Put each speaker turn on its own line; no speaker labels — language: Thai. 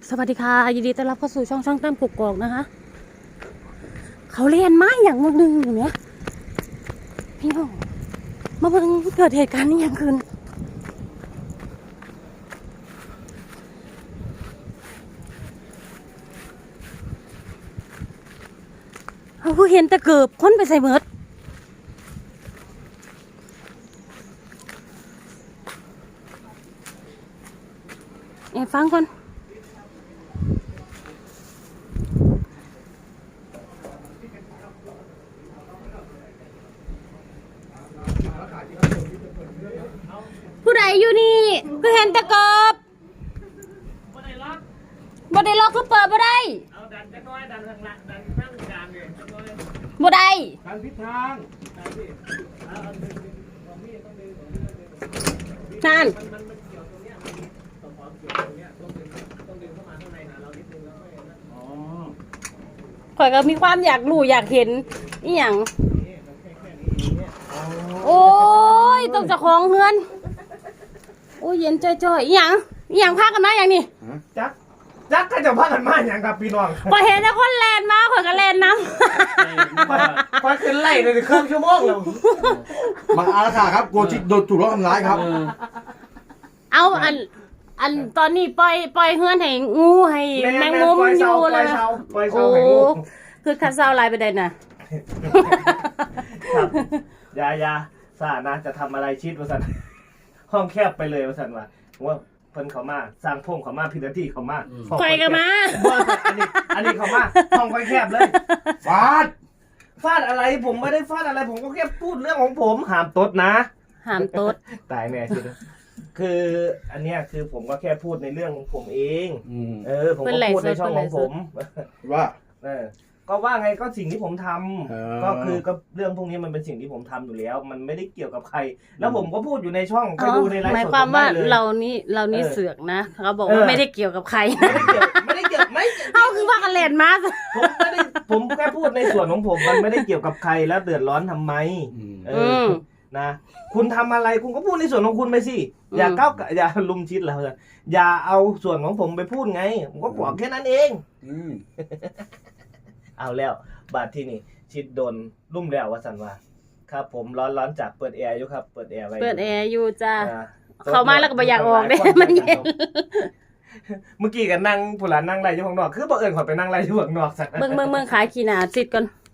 สวัสดีค่ะยินดีต้อนรับเข้าสู่ช่องตั้มกุกกอกนะคะเขาเรียนไม้อย่างมึงนึงอย่างเนี้ยพี่น้องมาเบิ่งเกิดเหตุการณ์นี้อย่างคืนเขาเพิ่งเห็นแต่เกือบคนไปใส่เมิดฟังก่อนผู้ใดอยู่นี่คือเห็นแต่กบบ่ได้ล็อกคือเปิดบ่ได้เอาดันจะน้อยดันข้างหลังดันข้างกลางเลยบ่ได้ดันทิศทางนั่นข่อยก็มีความอยากรู้อยากเห็นอีหยังโอ้ยต้องเจ้าของเฮือนโอ้ยเย็นจ่อยๆอีหยังพากันมาอย่างนี้
จักก็จะพากันมาอย่างกับพี่น้อง
พอเห็นแต่คนแลนมาข่อยก็แลนน้
ำพอขึ้นไล่ในเครื่องชั่วโมงแล้ว
มาอาราคาครับโกจิโดนถูกล้อทำร้ายครับ
เอาอันตอนนี้ปล่อยเฮือนให้งูให้แมงมุมอยู่เลยโอ้คือคันเซาลายไปได้น่ะ
ยาสานะจะทำอะไรชิดว่าสันห้องแคบไปเลยว่าสันว่าเพิ่นเขามาสร้างพงเขามาพิธีที่เขามา
ไฟกันมา
อันนี้เขามาห้องไฟแคบเลยฟาดอะไรผมไม่ได้ฟาดอะไรผมก็แค่พูดเรื่องของผมห้ามตดนะ
ห้ามตด
ตายแน่ชิดคืออันเนี้ยคือผมก็แค่พูดในเรื่องของผมเองผมก็พูดในช่องของผม
ว่า
ก็ว่าไงก็สิ่งที่ผมทำก็คือก็เรื่องพวกนี้มันเป็นสิ่งที่ผมทำอยู่แล้วมันไม่ได้เกี่ยวกับใครแล้วผมก็พูดอยู่ในช่องไปดูในไลฟ์สด
หมายความว่าเรานี่เสือกนะเขาบอกว่าไม่ได้เกี่ยวกับใคร
ไม่ได้เกี่ยว
เขาคือว่ากันเล่นมา
ผมแค่พูดในส่วนของผมมันไม่ได้เกี่ยวกับใครแล้วเดือดร้อนทำไมนะคุณทำอะไรคุณก็พูดในส่วนของคุณไปสิอย่าก้าวอย่าลุมชิดแล้วอย่าเอาส่วนของผมไปพูดไงผมก็บอกแค่นั้นเองเอาแล้วบาดที่นี่ชิดโดนรุ่มแล้วว่าสันว่าครับผมร้อนจากเปิดแอร์อยู่ครับเปิดแอร์ไว้
เปิดแอร์อยู่จ้าเข้ามาแล้วก็ไม่อยากออกเด้มันเย็น
เมื่อกี้กันนั่งผู้หลานนั่งไรอยู่ข้างนอกคือบ่เอิญขอไปนั่งไรอยู่ข้างนอกสัก
เมืองขายขี้หนาซิดก่อน